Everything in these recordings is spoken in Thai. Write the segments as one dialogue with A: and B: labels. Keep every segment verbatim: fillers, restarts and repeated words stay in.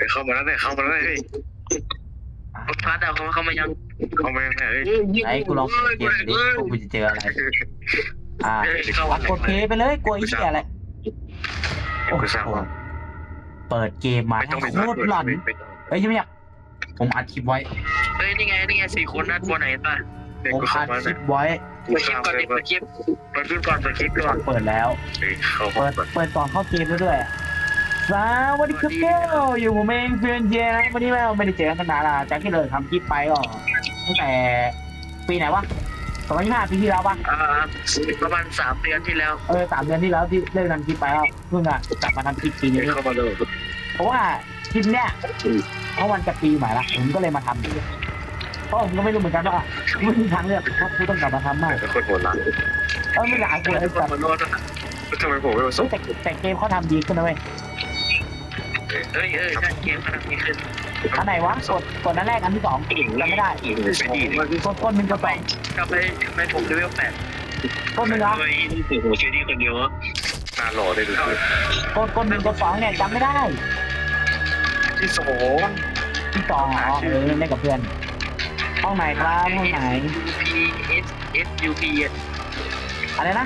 A: เข้ามาแล้วเนี่ยเข้ามาแล้วเฮ้ยพาดเอาเขาเข้ามายังเข้ามายังไงเฮ้ย
B: ไอ้กูลองเปิดเกมดิกูจะเจออะไรอ่ากดเพย์ไปเลยกลัวไอ้เหี้ยอะไรโอ้โหเปิดเกมมาโคตรหลอนเฮ้ยยังไม่อยากผมอัดคลิปไว้
A: เฮ้ยนี่ไงนี่ไงสี่คนนะตัวไหนป่ะ
B: ผมอัดคลิปไว้
A: เปิดคลิปก่อนเปิดคลิปเปิดคลิปก่อนเปิดคลิปก่อน
B: เปิดแล้วเปิดเปิดก่อนเข้าเกมด้วยสวัสดีครับเก้าอยู่ผมเองเพื่อนเจนะวันนี้เราไม่ได้เจอกันนานละจากที่เลยทำคลิปไปก็ตั้งแต่ปีไหนวะสองพันยี่สิบห้าปีที่แล้วปะ
A: อ่าประมาณสามเดือนที่แล้ว
B: เออสามเดือนที่แล้วที่เลิกทำคลิปไปแล้วเพิ่งอะกลับมาทำคลิปปีนี้
A: เข้ามาเลย
B: เพราะว่าคลิปเนี้ยเพราะมันจะปีใหม่ละผมก็เลยมาทำเพราะผมก็ไม่รู้เหมือนกันว่าไม่มีทางเลือกเพราะกูต้องกลับมาทำมาก
A: เป็นคนโหดร้าย
B: เออไม่อยากกูเลยแต่
A: ทำไมผมไม่ประสบ
B: แต่แต่เกมเขาทำดีขึ้นนะเว้ย
A: เอ้ยเอ้ยใช่เกมมันมีขึ้น
B: อันไหนวะกดกดอันแรกอันที่สองจำไม่ได้กดกดหนึ่งกดสอง
A: กลับไปกลับไปผมเลเวลแปด
B: กดหนึ่งเหรอ
A: เฮ้ยนี่โอ้โหเชนี่คนเดียวหน้าหล่อเลยดู
B: กดกดหนึ่งกดสองเนี่ยจำไม่ได้
A: ที่สอง
B: ที่สองอ๋อเออเล่นกับเพื่อนห้องไหนครับห้องไหน
A: P S S U P
B: อะไรนะ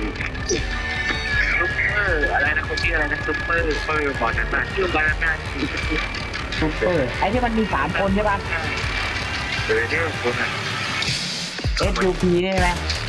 A: ซุปเปอร์อะไรนะคนชื่ออะไรนะซุปเปอร์ซุปเปอร์บอลนั้นน่ะชื่อบอลนั้นน่ะ
B: ซุปเปอร์ไอ้ที่มันมีสามคนใช่ป่ะ
A: เออเนี่ยคนอ่ะ
B: S U P ได้ไหม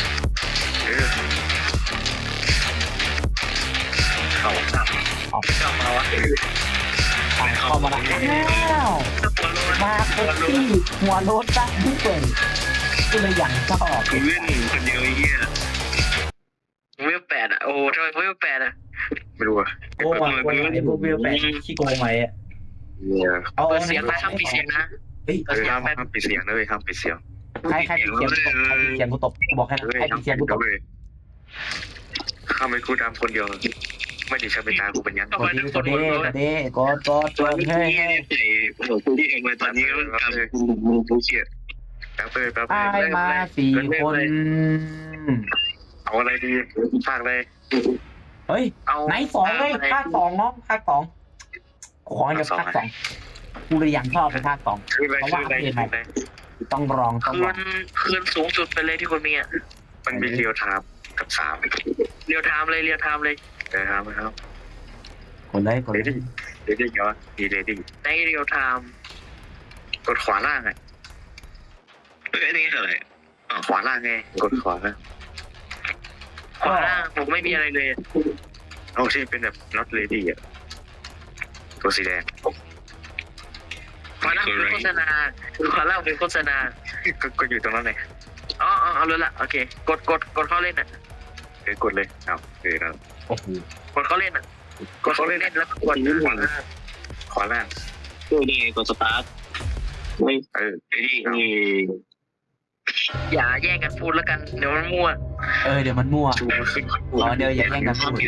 A: เข้าจับออกเข้ามาวะ
B: เข้ามาแล้วมาคนที่หัวรถตั้งที่เปิดก็เลยอย่างชอบ
A: เล่นคนเดียวไอ้เหี้ยเวลแปดอ่ะโอ้ทำไมเวลแปดอ่ะไม่รู้อ่ะ
B: โกงอ่ะโกงไอ้พวกเวลแปดขี้โกงไหมอ่ะ
A: เอาเสียงมาทำปิดเสียงนะเฮ้ยห้ามห้ามปิดเสียงเลยห้ามปิดเสียง
B: ใครใครปิดเสียงกูตบใครปิดเสียงกูตบบอกให้ใครปิดเสียงกูตบ
A: ข้าไม่กูดำคนเดียวไม่ได้ใช้เป็นตากูเป็นยัง
B: กดดีกดดีกดดีกดกดกดเฮ้ยเฮ้ย
A: โอ้โหกูที่เองเลยตอนนี้ก็ทำกูกูเกลียดแป๊บเลยแป๊บเลย
B: ไอ้มาสี่คน
A: เอาอะไรดีภาคเลย
B: เฮ้ยไหนสองเลยภาคสองเนาะภาคสองขออย่าภาคสองกูเลยยังชอบเป็นภาคสองเพราะว่าเรียนใหม่ต้องลองต้องลอง
A: คืนสูงสุดไปเลยที่คนมีอ่ะมันมีเรียวไทม์กับสามเรียวไทม์เลยเรียวไทม์เลยเรียวไทม์ครับ
B: คนได้คนได้
A: เรดดิ้งเหรอดีเรดดิ้งในเรียวไทม์กดขวาล่างไงเอ้ยนี่อะไรขวาล่างไงกดขวาล่างขวาล่างผมไม่มีอะไรเลยโอ้ใช่เป็นแบบ not ready อ่ะตัวสีแดงขวาล่างเป็นโฆษณาขวาล่างเป็นโฆษณาก็อยู่ตรงนั้นเลยอ๋อเอาเลยละโอเคกดกดกดเข้าเล่นอ่ะเออกดเลยเอาเออแล้ว
B: โอ้โห
A: กดเข้าเล่นอ่ะกดเข้าเล่นแล้วกดขวาล่างขวาล่างตัวนี้กดสตาร์ทไม่เออนี่นี่อย่าแย่งกันพูดแล้วกันเดี๋ยวมันมั่ว
B: เออเดี๋ยวมันมั่วอ๋อเดี๋ยวอย่าแย่งกันพูด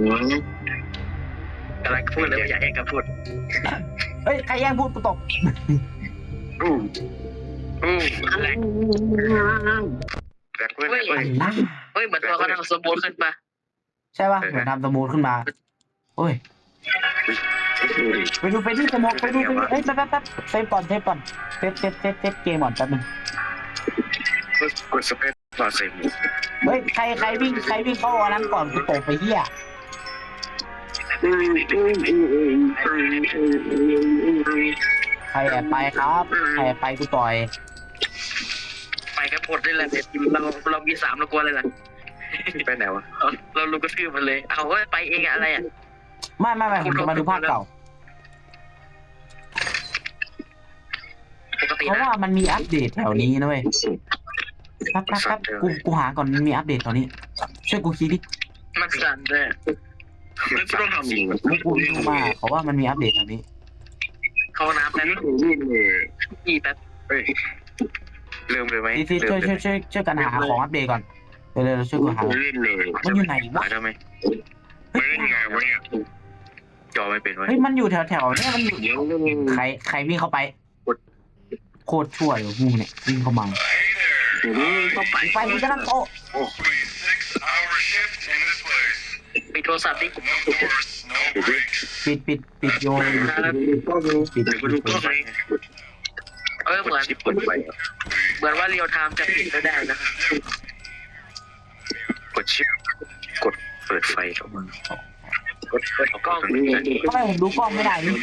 A: กำลังพูดแล้วอย่าแย่งกันพูด
B: เฮ้ยใครแย่งพูดกูตก
A: อู้อู้อะไรแบบเฮ้ยเฮ้ยเหมือนตัวเขาทำสมูทขึ้นปะ
B: ใช่ป่ะเหมือนทำสมูทขึ้นมาโอ้ยไปดูไปที่สมูทไปดูไปดูเอ้ยแป๊บแป๊บเซฟก่อนเซฟก่อนเซฟเซฟเซฟเซฟเกมก่อนแป๊บนึง
A: กดสเปซต่อเซฟ
B: เฮ้ยใครใครวิ่งใครวิ่งเข้าอันนั้นก่อนกูตกไปเหี้ยใครแอบไปครับใครแอบไปกูต่อย
A: ไปกันหมดเลยแหละเราเรามีสามเรากลัวเลยล่ะไปไหนวะเราลูกกระทืบมันเลยเอาว่าไปเองอะไรอ่ะ
B: ไม่ไม่ไม่ผมจะมาดูภาคเก่าเพราะว่ามันมีอัปเดตแถวนี้นะเว้ยแป๊บแป๊บแป๊บกูกูหาก่อนมีอัปเดตแถวนี้ช่วยกูคิดดิ
A: มันสั่นเลยไม่ต้องทำอีก
B: กูดูมาเพราะว่ามันมีอัปเดตแถวนี้
A: เข้าน้ำแป๊บนี่แป๊บเฮ้ยเริ่มเลยไหม
B: ช่วยช่วยช่วยช่วยกันหาของอัปเดตก่อนเร็วๆช่วยกูหามันอยู่ไหนวะ
A: ทำไมไม่เล่นไงวะเนี่ยจอไม่เป็นวะ
B: เฮ้ยมันอยู่แถวแถวเนี่ยมันอยู่ใครใครวิ่งเข้าไปโคตรชั่วเลยมึงเนี่ยวิ่งเข้ามาไปมึงจะนั่งโต๊ะปิดโทรศัพท์ดิปิดปิดปิดโยนปิด
A: เดี๋ยวกูดูกล้องเลย
C: เออเหมือน
A: ชิปเปิดไฟ
C: เหมือนว่าเรียวไทม์จะปิดไม่ได้นะ
A: กดชิปกดเปิดไฟเข้ามากดเปิดกล้อง
B: ทำไมผมดูกล้องไม่ได้นี่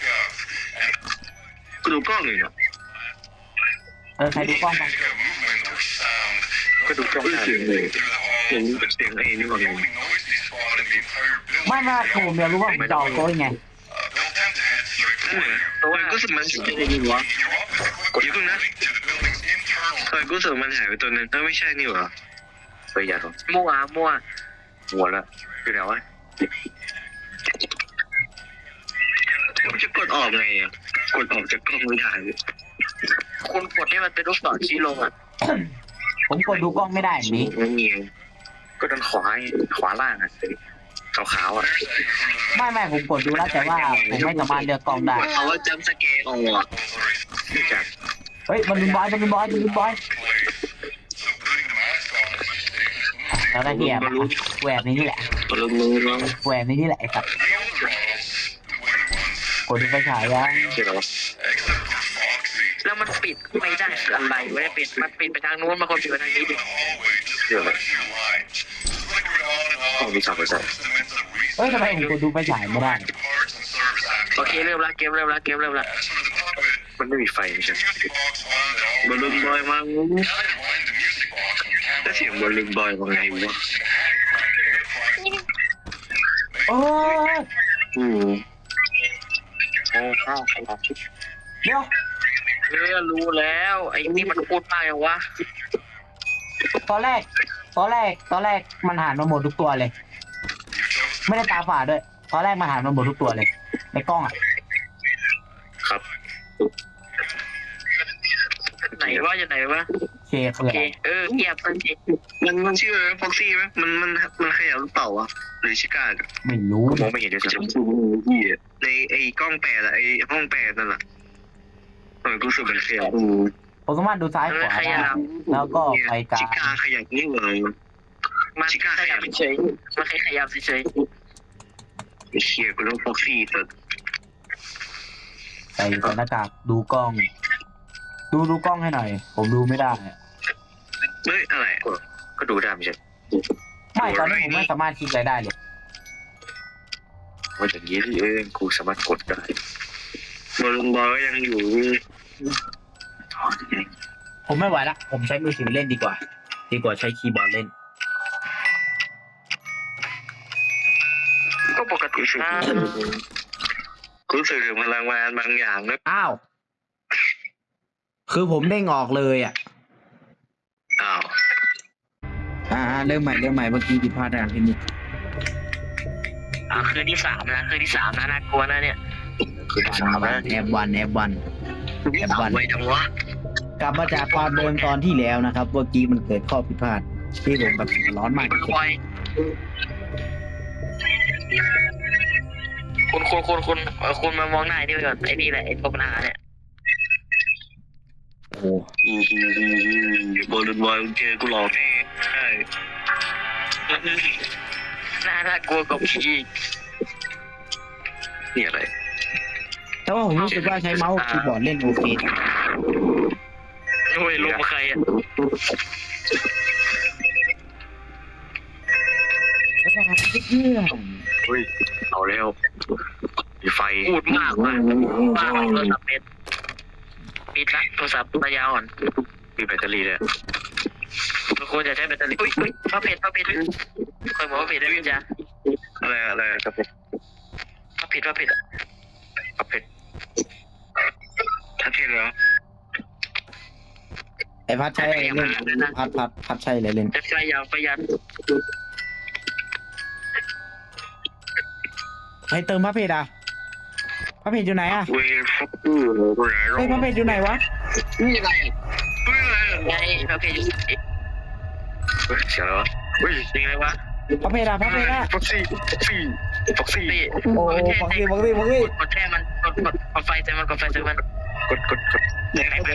A: กูดูกล้องเลยเนาะ
B: เออใครดูกล้องบ้าง
A: ก็ดูกล้องได้เลยเสียงเสียงไอ้นี่ก่อนเลย
B: ไม่ไม่ผมอยากรู้ว่าผมจะเอาโต๊ะยังไง
A: ตัวก็สึกมันอะไรนี่วะกดยิ่งนะทำไมกูสึกมันหายไปตัวนึงถ้าไม่ใช่นี่หรอเฮ้ยอย่าหรอ
C: มั่วมั่ว
A: หัวละคือไหนวะผมจะกดออกไงอ่ะกดออกจากกล้องไม่ได้
C: คุณกดที่มันเป็นลูกศรชี้ลงอ่ะ
B: ผมกดดูกล้องไม่ได้แบบนี้
A: ไม่มีก็ด้านขวาขวาล่างอ่ะขาวๆอ่ะ
B: ไม่ไม่ผมกดดูแล้วแต่ว่าผมไม่สามารถเลือกกล้องได้
A: เขาว่าจำสเกลออกจาก
B: เฮ้ยมันเป็นบอยมันเป็นบอยมันเป็นบอยแล้วได้เหี้ยแหวนในนี่แหละ
A: ลงมือลง
B: แหวนในนี่แหละไอ้สัตว์กดดูไฟฉายยัง
A: เชื่อหรอ
C: แล้วมันปิดไม่ได้คืออะไรไม่ได้ปิดมันปิดไปทางนู้นมาคนปิดไปทางนี้ดิ
A: เชื่อหรอห้องมีสามเปอร์เซ็นต์
B: เฮ้ยทำไมผมกดดูไฟฉายไม่ได้
C: โอเคเริ่มละเกมเริ่มละเกมเริ่มละ
A: มันไม่มีไฟไม่ใช่บอลลูนบอยมาแล้วเสียงบอลลูนบอยว่าไงวะ
B: โอ้ย
A: อืมโอ้ข้าวครับ
B: เดี๋ยว
C: เออรู้แล้วไอ้นี่มันพูดมากอย่างวะ
B: ตอนแรกตอนแรกตอนแรกมันหันมาหมดทุกตัวเลย ไม่ได้ตาฝาดด้วยตอนแรกมันหันมาหมดทุกตัวเลยในกล้องอ่ะ
A: ครับ
C: ไหนวะจะไหนวะ
B: เคคือ
C: โอ
B: อะ
C: เค
B: ไร
C: เออเงียบสักที
A: มันมันชื่ออะไรฟ็อกซี่ไหมมันมันมันขยับหรือเปล่าวะหรือชิก้า
B: ไม่รู้
A: มองไม่เห็นด้วยซ้ำในไอ้กล้องแปดอะไอ้ห้องแปดนั่นแหละเออกูรู้สึกมันขยับ
B: ผมสามารถดูซ้ายขวาได้แล้วก็ไปกลา
A: ชิ
B: ง
A: ก้าขยับนี่เลย
C: มันขยับเฉยมันแค่ขยับเฉย
A: ไอ้เชียกูต้องฟ็อกซี่แต่
B: ใส่ใส่หน้ากากดูกล้อง ดูดูกล้องให้หน่อย ผมดูไม่ได้อะ
A: เฮ้ยอะไรก็ดูได้ไม่ใช่
B: ไม่ตอนนี้ผมไม่สามารถคลิกอะไรได้เลย
A: ว่าอย่างนี้เองกูสามารถกดได้บอลลูนบอยยังอยู่
B: ผมไม่ไหวละผมใช้มือถือเล่นดีกว่า ดีกว่าใช้คีย์บอร์ดเล่น
C: ๆก็ปกติ
A: รู้สึก
C: นะ
A: รู้สึกถึงพลังงานบางอย่างนะ
B: อ้าว คือผมเด้งออกเลยอ่ะ
A: อ้าว
B: อ่าเริ่มใหม่เริ่มใหม่เมื่อกี้ผิดพลาดทางเทคนิค
C: อ่ะคืนที่สามนะคืนที่สามนะน่ากลัวนะเนี่ย
A: คือสามนะ
B: แอบวันแอบวัน
A: แอบวันไว้ทั้งวะ
B: กลับมาจากความเดิมตอนที่แล้วนะครับเมื่อกี้มันเกิดข้อผิดพลาดที่ผมแบบร้อนมาก
C: มันควายคุณคุณคุณคุณเอ่อคุณมามองหน้าไอ้นี่ไปก่อนไอ้นี่แหละไอ้ตัวปัญหาเนี่ย
B: โอ้โห
A: บอลลูนบอยเจอกูหลอกแน่ใช่
C: น่าน่ากลัวกว่าผีอีก
A: นี่อะไร
B: แต่ว่าผมรู้สึกว่าใช้เมาส์คีย์บอร์ดเล่นโอเค
C: โอ้ยลมใครอ่ะ
B: แล้วก็เครื่อง
A: เฮ้ยเอาแล้วมีไฟ
C: พูดมากว่ะมากโทรศัพท์เน็ตปิดละโทรศัพท์ระยะอ่อน
A: มีแบตเตอรี่เลย
C: มันควรจะใช้แบตเตอรี่อุ้ยอุ้ยพระเพชรพระเพชรเคยบอกว่าเพชรได้ไหมจ๊ะ
A: อะไรอะไรครับ
C: พระเพชรพระเพชร
A: ครับเพชรถ้าเพชรเหรอ
B: ไอพัดใช้อะไรเล่นพัดพัดพัดใช้อะไรเล่น
C: จะใช้ยาวประหยัด
B: ใครเติมพระเพชรอ่ะพระเพชรอยู่ไหนอ่ะ
A: เวฟักเกอร์อะไร
B: เฮ้ยพระเพชรอยู่ไหนวะ
A: นี่อะไรเฮ้ยอะไร
C: ไงพระเพชรอยู่ไหน
A: เฮ้ยเสียแล้วเฮ้ย
C: จริงเลยวะ
B: พระเพชรอ่ะพระเพชรอ่ะ
A: ฟ็อกซี่ฟ็อกซี่ฟ็อกซี่
C: พี่
B: โอ้ฟังดิฟังดิฟังดิ
C: กดแช่มันกดกดกดไฟใส่มันกดไฟใส่มัน
A: กดกดกด
C: ไปไป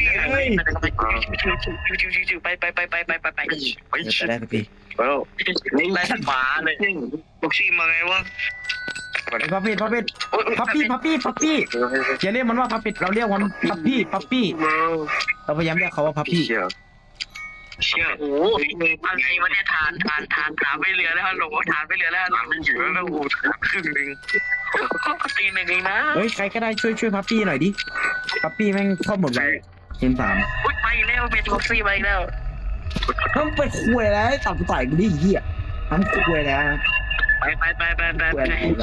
C: ไปไปไปไปไปไปไปไป
A: ไป
B: จะได้สักที
A: แล้ว
C: ไล่ขวาเลย
A: ฟ็อกซี่มาไงวะ
B: ไอ้พับปิดพับปิดพับปี้พับปี้พับปี้อย่าเรียกมันว่าพับปิดเราเรียกมันพับปี้พับปี้เราพยายามเรียกเขาว่าพับปี้
A: เชี่ยเชี่ย
C: โอ้อะไรวะเนี่ยทานทานทานทานไม่เหลือแล้วฮัลโหลทานไม่เหลือแล้ว
A: หลังมันอยู่แล้วกูครึ่งนึง
C: ก็ตีหนึ่งเองนะ
B: เฮ้ยใครก็ได้ช่วยช่วยพับปี้หน่อยดิพับปี้แม่งเข้าหมดเลยเกมสาม
C: อุ้ยไปแล้วเป็นท็อกซี่ไปแล้ว
B: ต้องไปคุยแล้วตัดต่อยกูดิเหี้ยทำคุยแล้ว
C: ไปไปไปไปไป
B: คุย
C: ไป
B: แล้ว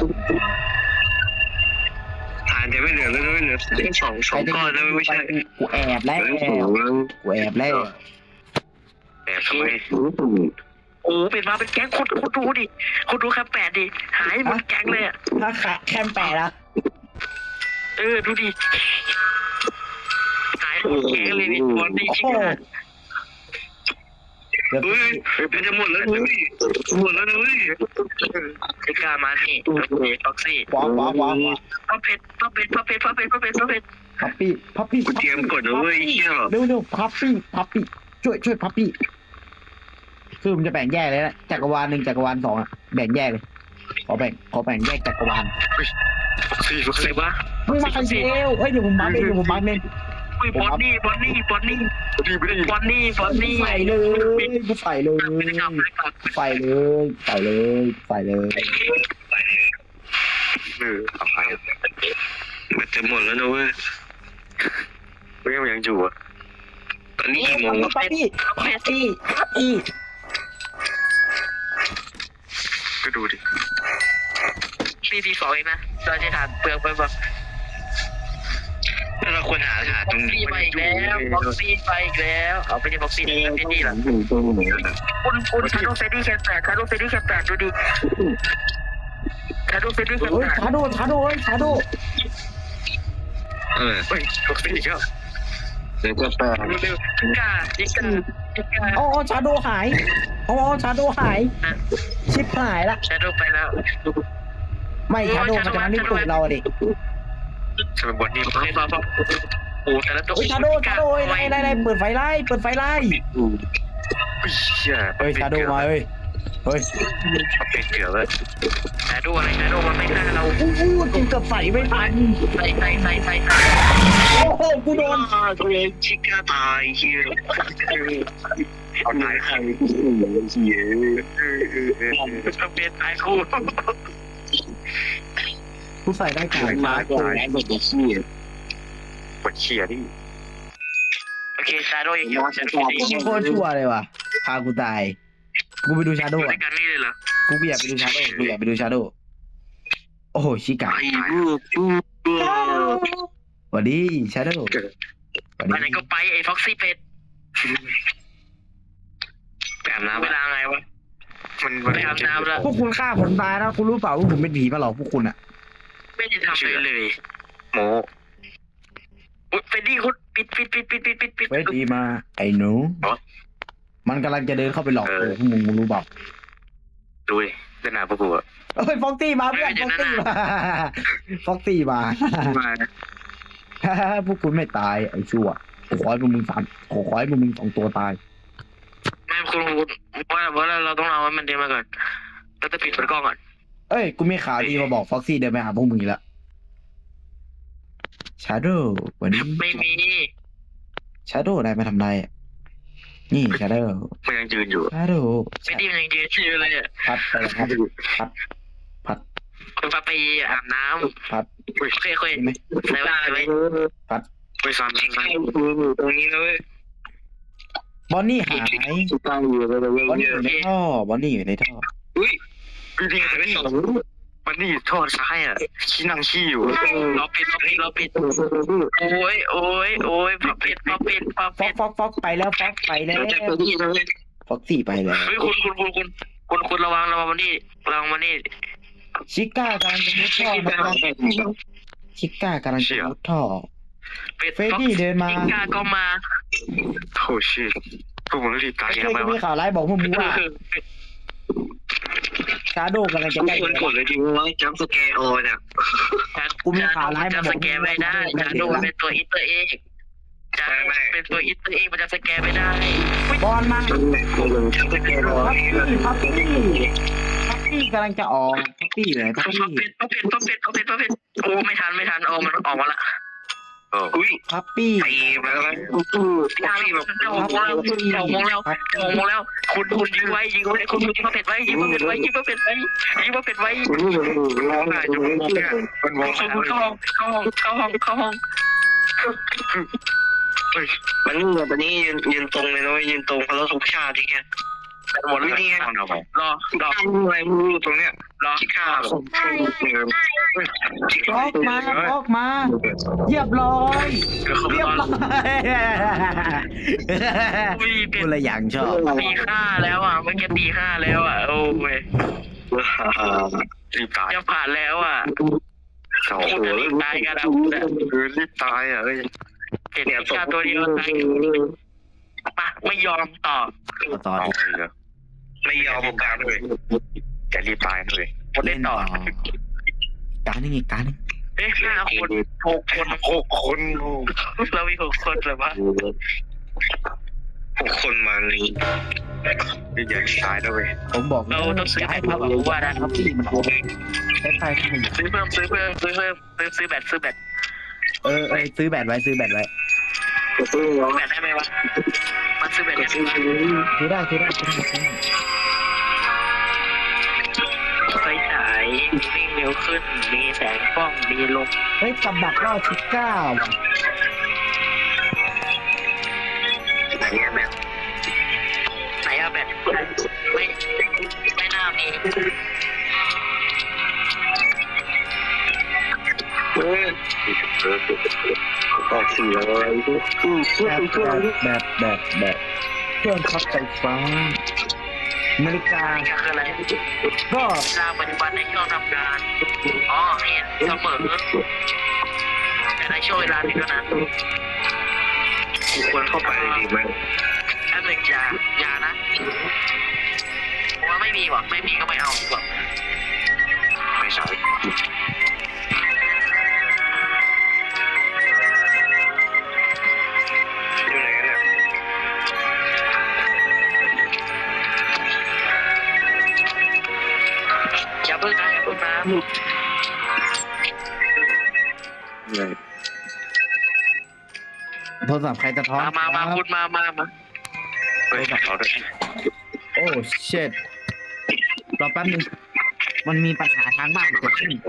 A: ทานจะไม่เหลือแล้วไม่เหลือแค่สองสองก้อนแล้วไม่ใช่
B: กูแอบแล้วกูแอบแล้ว
A: แต่ทำไม
C: โอ้เป็นมาเป็นแก๊งคนคนดูดิคนดูแค่แปดดิหายหมดแก๊งเลยอ่ะ
B: ถ้าขาแคมแปดละ
C: เออดูดิหายหมดแก๊งเลยนี่บอลนี่ชิคา
B: เดี๋ยว
A: เฮ้ยมันจะหมดแล้วเฮ้ยหมดแล้วเฮ้ย
C: ชิคามานี่ท็อกซี่
B: ว้าวว้าวว้าว
C: พ่อเพชรพ่อเพชรพ่อเพชรพ่อเพชรพ่อเพชรพ่อเพชร
B: พับปี้พับปี้
A: กูเตรียมกดนะเว้ยเชี่ย
B: เร็วเร็วพับปี้พับปี้ช่วยช่วยพับปี้คือมันจะแบ่งแยกเลยนะจักรวาลหนึ่งจักรวาลสองอะแบ่งแยกเลยขอแบ่งขอแบ่งแยกจักรวาล
A: สี่
C: ใครวะ
B: มึงมาใครเซลเฮ้ยเดี๋ยวผมบัฟเองเดี๋ยวผมบัฟเอง
C: อุ้ยบอลนี่บอลนี่บอลนี่
A: ดีไม่ได้
C: บอลนี่บอลนี่
B: ใส่เลยกูใส่เลย
C: ไม่ได้กลับไม่ได้กลับ
B: ใส่เลยใส่เลยใส่เลย
A: เออเอาไปมันจะหมดแล้วนะเว้ยไม่ยังอยู่อ่ะตอนนี้กี่โมง
B: พับปี้พับปี้พับปี้
A: ก็ดูดิ
C: ตีทีสองเองนะเราจะทานเปลือกไปแบบ
A: แล้วเราควรหาหาตรง
C: ซี
A: นี้
C: ไปอีกแล้วบ็อกซี่ไปอีกแล้วเอาไปที่บ็อกซี่นี่เป็นนี่หรอคุณคุณชาโดเฟดดี้แคปแปดชาโดเฟดดี้แคปแปดดูดิชาโดเฟดดี้แคป
B: เฮ้ย
C: แปด
B: ชาโดชาโดเฮ้ยชาโด
A: เออเฮ้ยตกสีก็เดี๋ยวจะแปล
C: เร็วๆจิกาจิกาจิกา
B: อ๋อชาโดหายอ๋อชาโดหายชิปหายละ
C: ชาโดไปแล้ว
B: ไม่ชาโดมันจะมาลิ้นตูดเราดิ
A: จะเป็นบทนี้
C: โอเคพอพอโอ้แต่ละตัว
B: เฮ้ยชาโดชาโดเฮ้ยไล่ไล่ไล่เปิดไฟไล่เปิดไฟไล่
A: เชี่ย
B: เฮ้ยชาโดมาเฮ้ยเฮ้ย
A: เป็นเกือบแล้ว
C: ชาโดอะไรชาโดมันไม่ฆ่าเรา
B: อู้หูกูเกือบใส่ไม่ทัน
C: ใส่ใส่ใส่ใส่ใส่
B: โอ้โหกูโดน
A: ตัวเองชิก้าตายเฮียเอาตายใครเฮีย
C: จะเป็นไอ้คู่
B: กูใส่ได้ก่อน
A: ตายตายแบบเฮียปวดเชียดิ
C: โอเคชาโดยังอยู่ชาโดยังอยู่
B: โคตรชั่วเลยว่ะพากูตายกูไปดูชาโด
C: ด้วย
B: อ่ะ
C: กันนี่เลยเหรอ
B: กูอยากไปดูชาโดกูอยากไปดูชาโดโอ้โหชิกา
A: ไอ้ลูกลูก
B: สวัสดีชาโดสวัส
C: ไปไหน
B: ดี
C: ก็ไปไอ้ฟ็อกซี่เป็ด
A: แบบน้ำ
C: เวลาไงวะ
A: มัน
C: ไปอาบน้ำแล้ว
B: พวกคุณฆ่าผมตายนะคุณรู้เปล่าว่าผมเป็นผีมาหลอกพวกคุณอ่ะ
C: ไม่ได้ทำเลยเลย
A: โม
C: อุ๊ยเฟดดี้คุณปิดปิดปิดปิดปิดปิดปิด
B: เว้ยดีมาไอ้หนูมันกำลังจะเดินเข้าไปหลอกกูพวกมึงมึงรู้เปล่า
A: ดูดิเดินหน้าพวกกูอะ
B: เฮ้ยฟ็อกซี่มาเพื่อนฟ็อกซี่มาฟ็อกซี่มา
A: มา
B: พวกคุณไม่ตายไอ้ชั่วขอขอให้พวกมึงสามขอขอให้พวกมึงสองตัวตาย
C: ไม่คุณคุณว่าว่าเราต้องเอามันเดินมาก่อนเราจะปิดเปิดกล้องก่อน
B: เอ้ยกูมีข่าวดีมาบอกฟ็อกซี่เดินไปหาพวกมึงอีกแล้วชาโดวันนี้
C: ไม่มี
B: ชาโดนายมาทำไรอ่ะนี่ชาโด
A: มันยังยืนอยู่
B: ชาโด
C: เฟดดี้มันยังยืนอยู่เลยอ่ะ
B: พัดไปเลยพัดพัดพัด
C: คุณพาไปอาบน้ำ
B: พัด
C: โอเคโอเค
B: เห็นไหม
C: ใส่ไว้ใส่ไว้
A: ไปซ้ำซ้ำตรงนี้นะเว้ย
B: บอนนี่หายบอนนี่อยู่ในท่อบอนนี่อยู่ในท่อ
A: อุ้ยพี่ดีหายไปสองมันนี่ทอดซ้ายอ่ะขี้นั่งขี้อยู่
C: เราปิดเราปิดเราปิดโอ้ยโอ้ยโอ้ยพับปิดพับปิดพับ
B: ฟ็
C: ปิ
B: อก
C: ด
B: ฟอกฟอกไปแล้วฟอกไปแล้ว
A: เราจะไปที่นั่นเลย
B: ฟอกซี่ไปแล้ว
C: เฮ้ยคุณคุณคุณคุณคุณคุณระวังระวังมันนี่ระวังมันนี่
B: ชิก้ากำลังจะมุดท่อมาชิก้ากำลังจะมุดท่อ
C: ปิด
B: เฟรดดี้เดินมา
C: จิก้าก็มา
A: โอ้ชิพวกมึงรีบตาย
B: ไอ้
A: ยัง
B: เพื่อน
A: ไง
B: ก็มี
A: วะ
B: ข่าวร้ายบอกพวกมึงว่าชาโดกำลังจะใกล้
A: คนกดเลยจริงว่าจัมสแกร์โอเนี่ย
B: กูมีข่าวร้ายมา
C: จะ
B: บอ
C: ส
B: ก
C: แกนไม่ได้จาโดเป็นตัวอินเตอร์เอกจะเป็นตัวอินเตอร์เอกมันจะสแกนไม่ได้
B: บอลมา
A: จัมสแกร์โอ
B: พับปี้พับปี้พับปี้กำลังจะออกพับปี้เลยพับ
C: พั
B: ปี้
C: บเป็ดพับเป็ดพับเป็ดพับเป็ดพับเป็ดโอ้ไม่ทันไม่ทันโอ้มันออกมาละ
A: เออ
C: อุ้ย
B: พับปี้
A: ตีไปแล้ว
C: ยาแบบเจ้าโมงแล้วเจ้าโมงแล้วเจ้าโมงแล้วคุณคุณยิงไว้ยิงไว้คุณยิงพับเป็ดไว้ยิงพับเป็ดไว้ยิงพับเป็ดไว้ยิงพับเป็ดไว้
A: ร้องไห้จนมองเนี่ยมันมอง
C: เข้าห้องเข้าห้องเข้าห้องเข้าห้อง
D: มันนี่แบบนี้ยืนยืนตรงเลยนะยืนตรงเพราะเราทุกชาติที่แค่หมดวิธี
A: เอาหน่อย
C: รอรอ
D: อะไรมือตรงเนี้ย
C: รอ
D: ชิค่า
B: ออกมาออกมาเรียบร้อยเรียบร้อยกูเลยอย่างชอบ
C: ตีห้าแล้วอ่ะเมื่อกี้ตีห้าแล้วอ่ะโอ้ย
A: รีบตาย
C: จะผ่านแล้วอ่ะ
A: เขา
C: คุณจะรีบตายกันนะ
A: คือรีบตายอ่ะเอ้ย
C: เห็นชาตัวเดียวตายปะไม่ยอมต่อ
B: ต่อ
A: เอา
B: ดิ
A: เลย
D: ไม่ยอมการเลย
A: แกรีบตายเลย
C: คนเล่นต่อ
B: การนึงอีกการนึง
C: เอ๊ะห้าคนหกคน
A: หกคน
C: เรามีหกคนเลยวะ
D: หกคนมานี้
A: นี่อย่ารีบตายด้วย
B: ผมบอก
C: เราต้องซื้อ
B: ย้าย
C: แบ
B: พั
C: บบ ว่าได้
B: พับปี้มันออกใช้ไฟทำไม
C: ซื้อเพิ่มซื้อเพิ่มซื้อเพิ่มซื้อซื้อแบตซื้อแบต
B: เออเออซื้อแบตไว้ซื้อแบตไว้
C: แบตได้ไหมวะมันซื้อแบตได้ไหม
B: ซื้อได้ซื้อได้ซื้อได้ซื้อได้
C: ไฟฉายวิ่งเร็วขึ้นมีแสงกล้องมีลม
B: เฮ้ยกับดักรอดชิก้าว่ะ
C: ไหนอะแบตไหนอะแบตไม่ไม่น่ามี
D: เออออกเสียอะไร
B: แบบแบบแบบแบบเครื่องช็อตไฟฟ้านาฬิกา
C: นี่คืออะไร
B: ก็
C: เวลาปัจจุบันในช่วงทำงานอ๋อเห็นเสมอแต่ในช่วงเวลานี้เท่านั้น
D: ควรเข้าไปดีไหม
C: แป๊บหนึ่งอย่าอย่านะผมว่าไม่มีว่ะไม่มีก็ไม่เอาดีกว่า
A: ไม่ใช่
D: อยู่ไหนเนี่ย
C: อย่าเพิ่งนะอย่าเพิ่งนะ
A: เหนื่อย
B: โทรศัพท์ใครจะท้อน
C: มามามาคุณมามามา
A: เฮ้ยเขาด้วย
B: โอ้เชิดรอแป๊บนึงมันมีปัญหาทางบ้านเกิดขึ้น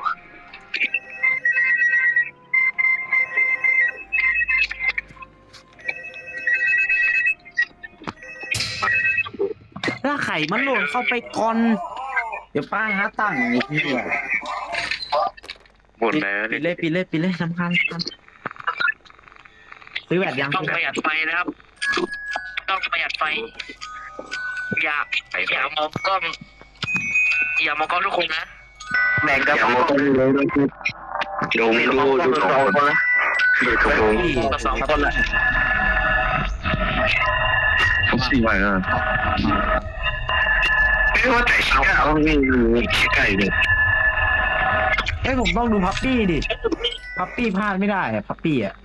B: ถ้าไข่มันหล่นเข้าไปก่อน เดี๋ยวป้าหาตั้งอีกทีเดียว
A: หมดแล้ว
B: ปิดเลยปิดเลยปิดเลยสำคัญสำคัญซื้อแบบยัง
C: ต้องประหยัดไฟนะครับ ต้องประหยัดไฟ อย่าอย่ามองกล้องอย่ามองกล้องทุกคนนะ
D: แบ่งกับผมดูไม่รู้ดูสองคนละดูสองคน
C: กับสองคนแหละ
A: สี่วันอ่ะ
D: ไม่ว่าแต่ชิก้าเขาไม่รู้ชิก้าอยู่เนี่ย
B: เอ้ยผมต้องดูพับปี้ดิพับปี้พลาดไม่ได้อะพับปี้อะ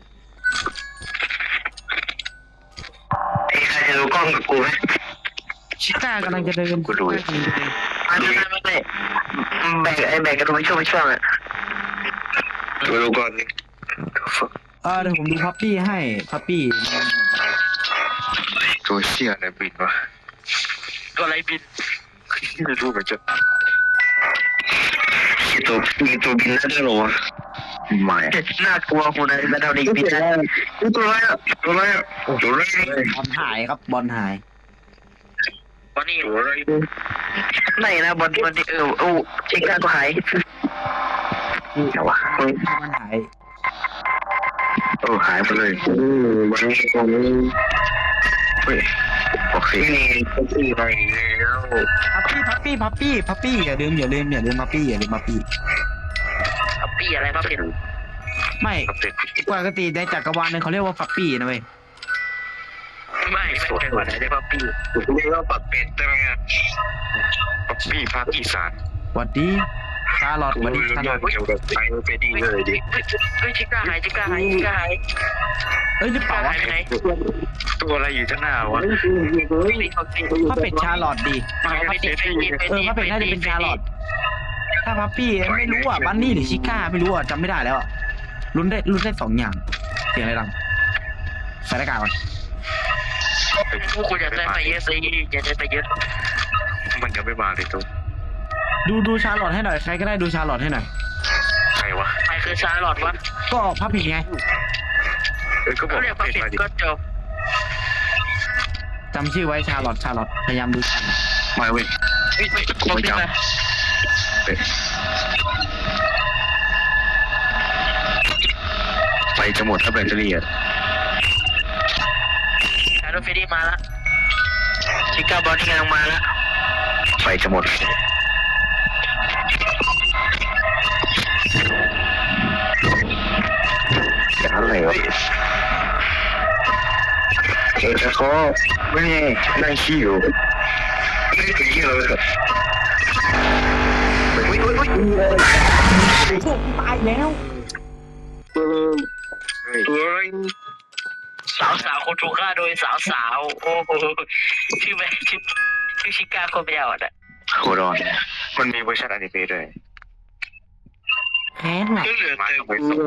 D: ไอ้ใครจะดูกล้องกับกูไหม
B: ชิก้ากำลังจะเดิน
A: กูดู
D: ไม่ไม่ไม่ไม่แบ่งไอ้แบ่งกันดูไม่ช่วงไม่ช่วงอ่ะดูดูก่อนนี่
B: เออเดี๋ยวผมดูพับปี้ให้พับปี้
A: ตัวเชี่ยอะไรบินวะ
C: ตัวอะไรบิน
A: ไม่รู้เหมือนจะ
D: มีตัวมีตัวบินได้ด้วยหรอ
A: ไม่
D: น่ากลัวคนอะไรมาทำดีบินได้ตัวอะไรอ่ะตัวอะไรอ่ะตัวอะไร
B: บอลหายครับบอลหาย
C: วันนี้
A: ตัวอะไร
D: ไม่นะบอลบอลเออโอ้ชิก้าก็หายแต่ว่า
B: มันหาย
A: เออหายไปเลย
D: วันนี้ตรงนี้
A: เฮ้ยโอเค
D: นี่ก็ที่ไปแล้ว
B: พับปี้พับปี้พับปี้พับปี้อย่าลืมอย่าลืมอย่าลืมพับปี้อย่าลืมพับปี้
C: เอาปีอะไรมาเป็น
B: ไม่
A: เด็ก
B: ปกติในจักรวาลนึงเขาเรียกว่าพับปี้นะเว้ย
C: ไม่ไม่เคยว่าไหนได้ป่ะปี
D: เรียกว่าปักเป็ดได้ไหมอ่ะ
A: ป๊อปปี้ภาคอีสาน
B: หวัดดี
C: ชาลอตมาดิชาลอต
A: เกี่ยวกับไซโนเฟดี้เลยดิ
D: เฮ้ยชิก้าหายชิก้าหายชิก้าหาย
C: เอ้ยหรือเปล่าวะ
D: หายไปไหน
A: ตัวอะไรอยู่ข้างหน้าวะ
C: ถ้าเป็นชาลอตดี
D: หายไปดิไปดิไป
C: เออ
D: ดิ
C: ถ้าเป็นน่าจะเป็นชาลอตถ้าพัปปี้ไม่รู้อ่ะบันนี่หรือชิก้าไม่รู้อ่ะจำไม่ได้แล้วอ่ะลุ้นได้ลุ้นได้สองอย่างเสียงอะไรดังใส่หน้ากากก่อน
D: พวกคุณอย่าใจไปเยอะสิอย่าใจไปเยอะ
A: มันยังไม่มาเลยตัว
C: ดูดูชาลอตให้หน่อยใครก็ได้ดูชาลอตให้หน่อย
A: ใครวะ
D: ใครคือชาลอตวะ
C: ก็พับผิดไง
A: เออก็บอ
D: เขา
A: ก
D: เรียกว่า
A: เป็น
D: ผิด
A: มาดิ
D: ก็จบ
C: จำชื่อไว้ชาลอตชาลอตพยายามดูชื่อ
A: มาเว้ย
D: เฮ้ยไม่ไม่จำ
A: ไปจะหมดถ้าแบตเตอรี่อ่ะ
D: ชาโดเฟดี้มาละชิก้าบอลนี่กำลังมาละ
A: ไฟจะหมดอย่างนั้นเลยวะเออแต่เขาไม่นั่งขี้อยู่ไม่ถึงที่เลย
C: พวกตายแล้ว
A: เฮ้ย
D: สาวสาวคนถูกฆ่าโดยสาวสาวโอ้โหชื่อแม่ชื่อชื่อชิก้าคนเดียวอ่ะ
A: โคดอนมันมีเวอร์ชันอนิเมะด้วย
C: แพ้ว่ะ
A: ก็เหลือแต่ไปสอง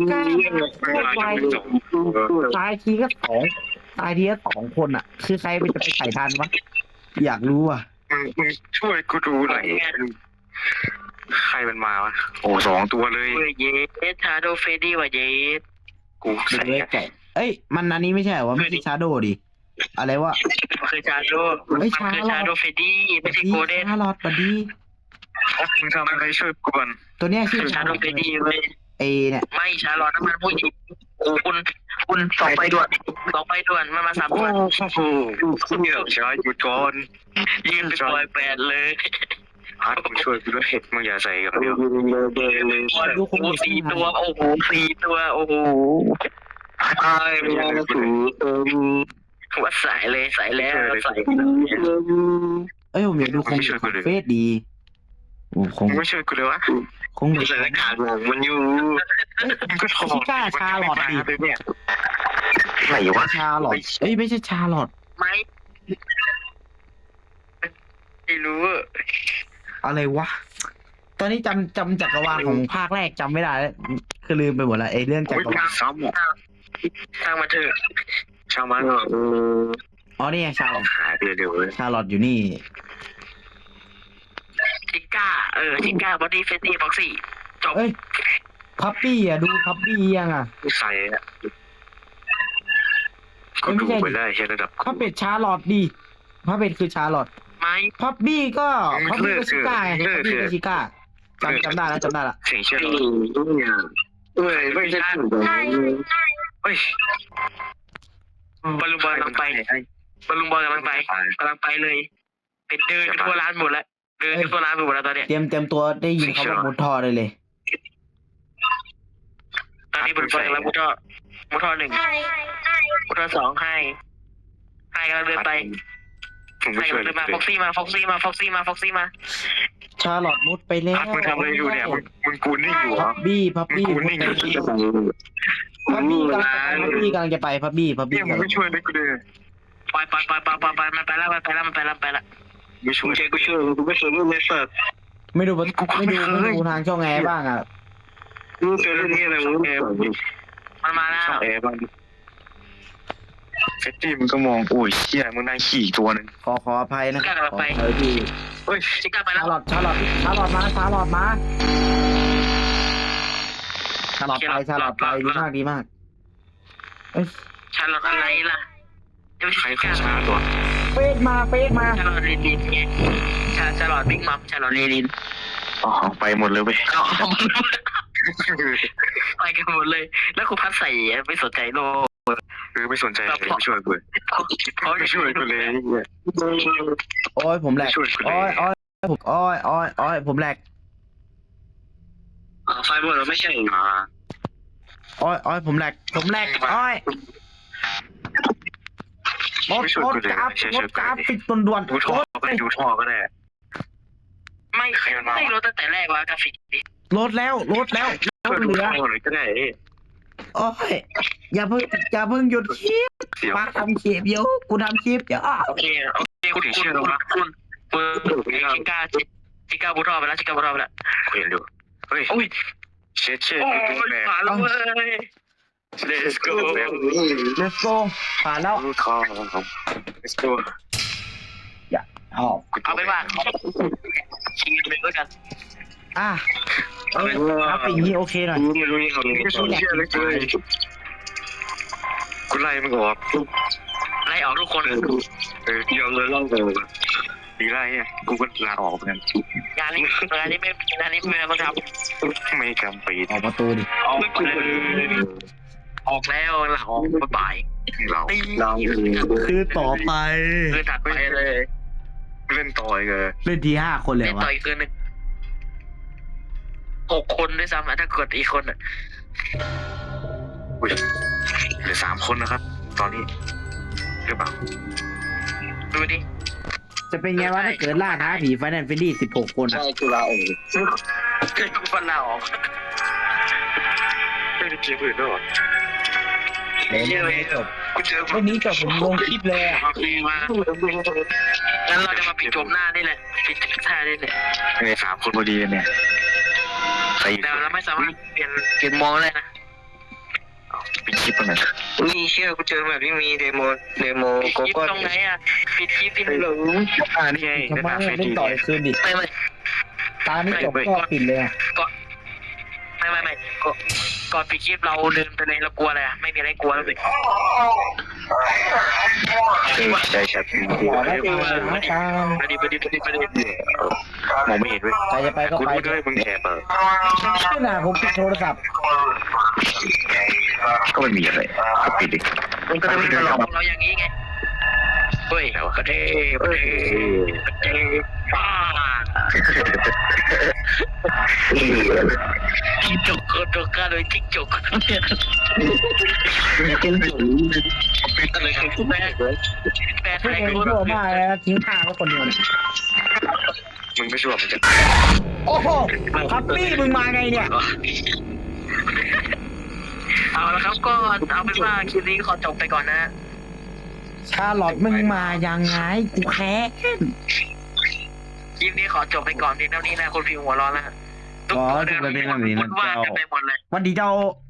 C: ตายทีก็สองตายทีก็สองคนอ่ะ คือใครไปจะไปไถ่ทันวะอยากรู้อ่ะ
A: มึงมึงช่วยกูดูหน่อยใครมันมาวะโอ้สองตัวเลย
D: เฮ้ยเยสชาโดเฟดี้ว่ะเยส
A: กู
C: เด็
A: ใส่
C: กเล็กไก่เอ้ยมันอันนี้ไม่ใช่เหรอวะไม่ใช่ชาโดดิอะไรวะ
D: มันคือชาโด
C: เฮ้
D: มัน
C: ย
D: คือ
C: ชา
D: ชาโดเฟดี้ไม่ใช่โกลเด้น
C: ชาลอตบัดดี้
A: มึงทำอะไรช่วยกูก่อน
C: ตัวเนี้ยชื่อ
D: ชาโดเฟดี้เว้ย
C: เอเนี่ย
D: ไม่ชาลอตน้ำมันผู้หญิงโอ้คุณคุณสองไปด่วนสองไปด่วนมันมาสาม
A: โอ้
D: คน
A: โหคุณเนี่ยช้าหยุดก่อน
D: ยืนเป็นบอยแบนด์เลย
A: ฮัทมึงช่วยกูด้วยมึงอย่าใส่กับเดียว
C: ดูคง
D: โอ้สี่ตัวโอ้โหสี่ตัวโอ้โห
A: ไอ้ไม่ได้ถูก
D: วัดสายเลยสายแล้วสาย
C: เอ้ยผมอยากดูคงเฟสดีโอ้คง
A: มึงไม่ช่วยกูเลยวะ
C: คง
A: ใส่หน้ากากมันอยู่มึงก็ถอดเนี่ยไหนวะ
C: ชาลอตเอ้ยไม่ใช่ชาลอต
D: ไม่ไม่รู้
C: อะไรวะตอนนี้จำจำจักรวาลของภาคแรกจำไม่ได้แล้วคือลืมไปหมดละไอ้เรื่องจักรวาล
A: ซ้ำอ่ะ
D: ทางมาเถอะ
A: ช่างมัน
C: อ๋อนี่ไงชาลอต
A: หายไปเร็วเลย
C: ชาลอตอยู่นี่
D: ชิก้าเออชิก้าบอดี้เฟสตี้บ็อกซี่จบ
C: เอ้ยพับปี้อ่ะดูพับปี้ยังอ่ะ
A: ใส่อ่ะก็ดูไปได้แค่ระดับ
C: พับเป็ดชาลอตดีพับเป็ดคือชาลอต
D: ไม่
C: พับบี้ก็พับบี้ก็ชิก้าไงพับบี้ก็ชิก้าจำจำได้แล้วจำได้ละ
A: เสียงเชื่อเอ้ยไม่ใช่เฮ้ย
D: บอลลูนบอลกำลังไปบอลลูนบอลกำลังไปกำลังไปเลยเป็นเดินไปทั่วร้านหมดแล้วเดินไปทั่วร้านหมดแล้วตอนเนี้ย
C: เตรียมเตรียมตัวได้ยินเขาบอกมุดท่อได้เลย
D: ตอนนี้บอลลูนบอลกำลังมุดท่อมุดท่อหนึ่งมุดท่อสองให้ให้กำลังเดินไป
A: ผม
D: ให้
A: ไม่ช่วย
D: กำลัง
A: เล
D: เดินมาฟ็อกซี่มาฟ็อกซี่มาฟ็อกซี่มาฟ็อกซี่มา
C: ชาลอตมุดไปแล้ว
A: พัดมึงทำอะไรอยู่เนี่ยมึงมึงกูนิ่งอยู่เหร
C: พั
A: อบ
C: บี้พับ
A: มึง
C: บี้
A: กู
C: มุด
A: นิ่ง
C: ไป
A: อยู่
C: พับบี้กำลังพับบี้กำลังจะไปพับบี้พับบี้
A: เนี่ยมึงไม่ช่วยเลยกูเลย
D: ปล่อยปล่อยปล่อยปล่อยปล่อยปล่อยมันไปแล้วมันไปแล้วมันไปแล้วมันไปแล้ว
A: ไม่ช่วยกูช่วยกูไม่ช่วยไม่เสิร์ฟ
C: ไม่ดูไม่ดูไม่ดูทางช่องแอร์บ้างอ่ะ
A: กูเจอเรื่องนี้อะไรมึงเออ
D: มันมาแล้ว
A: ช่องแอร์บ้างเฟตตี้มึงก็มองโอ้ยเชี่ยมึงนั่งขี่ตัวนึง
C: ขอขออภัยนะขออภัยที่
A: เฮ้ย
D: ชิก้าไปแล้
C: ชาว ลอตชาลอตชาลอตมาชาลอตมาชาลอตไปชาลอตไปดีมากดีมากเอ้ย
D: ชาลอตอะไรล่ะยังไม่
A: ใคร
D: ใช่
A: ใคร
D: ชิก้า
A: ช้าตัว
C: เฟสมาเฟสมา
D: ชาลอตเรลินไงชาชาลอตบิ๊กมัมชาลอตเรลิน
A: อ๋อไปหมดเลยเว้ย
D: ไปกันหมดเลย แล้วครูพัดใส่ไม่สนใจโลก
A: เออไม่สนใจเลยไม่ช่วยกู
D: เขา
A: ไม่ช่วยกูเลย
C: โอ้ยผมแหลก
A: ไม่ช่วยกูเล
C: โอ้ย
A: ย
C: โอ้ยผมโอ้ยโอ้ยโอ้ยผมแหลก
A: ไฟบอลเราไม่ใช่อ่า
C: โอ้ยโอ้ยผมแหลกผมแหลกโอ้ยรถรถกราฟรถกราฟปิดด่วนด่วน
A: ดูท่อก็ได้ดูท่อก็ได้
D: ไไม่ไม่รู้ตั้งแต่แรกว่ากราฟิกนี้
C: ลดแล้วลดแล้วลดเหลือ
A: หรือก็ได้
C: โอ้ยอย่าเพิ่งอย่าเพิ่งหยุดคลิป
A: เสียว
C: มาทำคลิปเดี๋ยวกูทำคลิปเดี๋ยว
D: โอเคโอเคคุณคุณคุณคุณชิก้าชิก้าบูทอไปแล้วชิก้าบูทอไปแล้ว
A: คุยดูเฮ้ย
D: โอ้ย
A: เช็ดเช็ด
D: โอ้ยผ่านแล้วเว้ย
A: let's go
B: let's go ผ่านแล้ว
A: ทอง let's go
B: เอา
D: เอาเป็นว่าชิงไปด้วยกัน
C: อ่ะเออกราฟิกนี้โอเคหน่อย
A: ไม่รู้นี่เขาเชื่อเลยกูไล่มึงออก
D: ไล่ออกทุกคน
A: เออยอมเลยเล่าเลยดีไล่อ่ะกูก็ลาออกเหมือนกัน
D: งานนี้งานนี้ไม่งานนี้ไม่ต้องทำ
A: ไม่จำปี
C: ออกประตูดิ
D: ออกออกแล้วหลังออกบ่าย
A: เราเรา
C: คือต่อไป
D: คือถัดไปเลย
A: เล่นต่อยเลย
C: เล่นทีห้าคนเลย
D: เล่น
C: วะ
D: ต่ออีกคืนหนึ่งหกคนด้วยซ้ำอ่ะถ้ากดอีกคนอ่ะ
A: อุ้ยเหลือสามคนนะครับ ตอนนี้หรือเปล่า
D: ดูดิ
C: จะเป็นไงวะถ้าเกิดล่าท้าผีไฟแนนซ์เฟรนดี้สิบหกคนอะ
A: กูลาออก
D: เกิดกูฟันลาออก
A: ไม่ได้เกมอื่นด้วยหรอ
B: เดี๋ยวนี้จบ
A: กูเจอ
B: วันนี้จบผมลงคลิปเลยอ่ะ
D: โอเคมางั้นเราจะมาปิดจบหน้านี่แหละปิดจบหน้านี่แหละ
A: ในสามคนพอดีเนี่ยใส่
D: แต่เราไม่สามารถเปลี่ยนเปลี่ยนมองได้นะ
A: ปิดคลิปไปหน่อย
D: นี่เชื่อกูเจอแบบที่มีเดโมเดโมโกโก้ตรงไหนอ่ะปิดคลิปที่หนึ่ง
A: อ่านี่ไง
B: ทำไม
A: เฟ
B: เล่นต่ออีกคืนดิ
D: ไม่ไม่
B: ตานี้จบก็ปิดเลยอะ
D: ไม่ไม่ไม่ก็ก่อนปิดคลิปเราเดินไปเลยเรากลัวอะไรอ่ะไม่มีอะไรกลัวแล้วเลย
A: ใช่ใช่
B: ขอได้ไปนะตาม
D: ไปดิไปดิไปดิไปดิ
A: มองไม่เห็นเว้ย
B: ใครจะไปก็
A: กู
B: ไป
A: รู้ด้วยมึงแอบเออ
B: ไม่น่าผมปิดโทรศัพท์
A: ก็ไม่มีอะไรก็ปิดดิ
D: มันก็จะมีมาหลอกเราอย่างนี้ไงเฮ้ยกระเทยกระเทยกระเทยป้าจิ้งจกกระจกกันเลยจิ้งจกเป็นเลยครับแม่แม่ไท
B: เพื่อน
D: ย
B: เอง
D: กู
B: ชั่วมากเลยนะทิ้งข้างไว้คนเดียวเนี่ย
A: มึงไม่ชั่วมึงจะ
B: โอ้โหพับปี้มึงมาไงเนี่ย
D: เอาละครับก็เอาเป็นว่าคลิปนี้ขอจบไปก่อนนะ
C: ชาลอตมึงมายังไงกูแค้น
D: คลิปนี้ขอจบไปก่อนเพียงเท่านี้นะคุณพิวหัวร้อนแล้วทุกคนเดินวุ่นวายกันไปหมดเลย
C: วันดีเจ้า